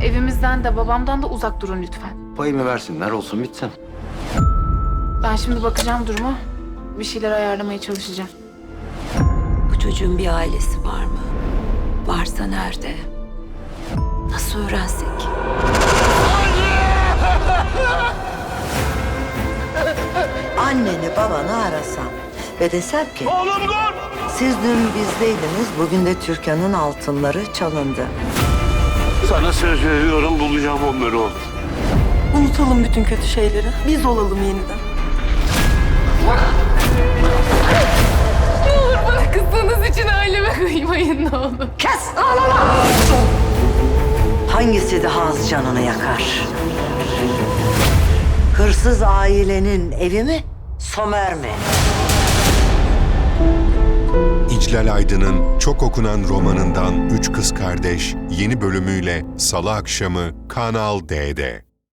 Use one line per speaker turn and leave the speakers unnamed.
Evimizden de babamdan da uzak durun lütfen.
Payımı versinler, olsun bitsin.
Ben şimdi bakacağım duruma. Bir şeyler ayarlamaya çalışacağım.
Bu çocuğun bir ailesi var mı? Varsa nerede? Nasıl öğrensek?
Anneni babanı arasam ve desem ki... Oğlum dur! Siz dün bizdeydiniz, bugün de Türkan'ın altınları çalındı.
Sana söz veriyorum, bulacağım onları oğlum.
Unutalım bütün kötü şeyleri. Biz olalım yeniden.
Bana kızdığınız için aileme kıymayın ne olur.
Kes! Ağlama! Hangisi daha az canını yakar? Hırsız ailenin evi mi, Somer mi?
İclal Aydın'ın çok okunan romanından Üç Kız Kardeş yeni bölümüyle Salı akşamı Kanal D'de.